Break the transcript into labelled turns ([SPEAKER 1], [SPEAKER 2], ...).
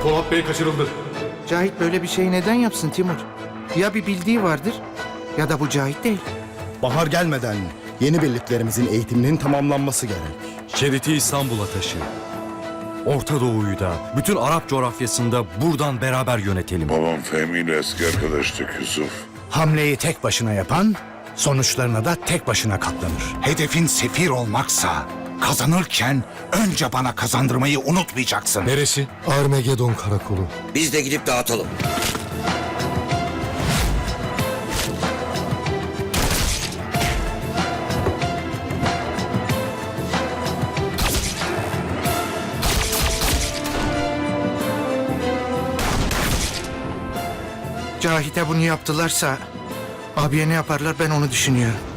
[SPEAKER 1] Polat Bey kaçırıldı.
[SPEAKER 2] Cahit böyle bir şey neden yapsın Timur? Ya bir bildiği vardır ya da bu Cahit değil.
[SPEAKER 3] Bahar gelmeden yeni birliklerimizin eğitiminin tamamlanması gerek.
[SPEAKER 4] Şeriti İstanbul'a taşı. Orta Doğu'yu da, bütün Arap coğrafyasında buradan beraber yönetelim.
[SPEAKER 5] Babam Fehmi ile eski arkadaştık Yusuf.
[SPEAKER 6] Hamleyi tek başına yapan, sonuçlarına da tek başına katlanır. Hedefin sefir olmaksa, kazanırken önce bana kazandırmayı unutmayacaksın.
[SPEAKER 1] Neresi? Armagedon Karakolu.
[SPEAKER 7] Biz de gidip dağıtalım.
[SPEAKER 2] Cahit'e bunu yaptılarsa abiye ne yaparlar ben onu düşünüyorum.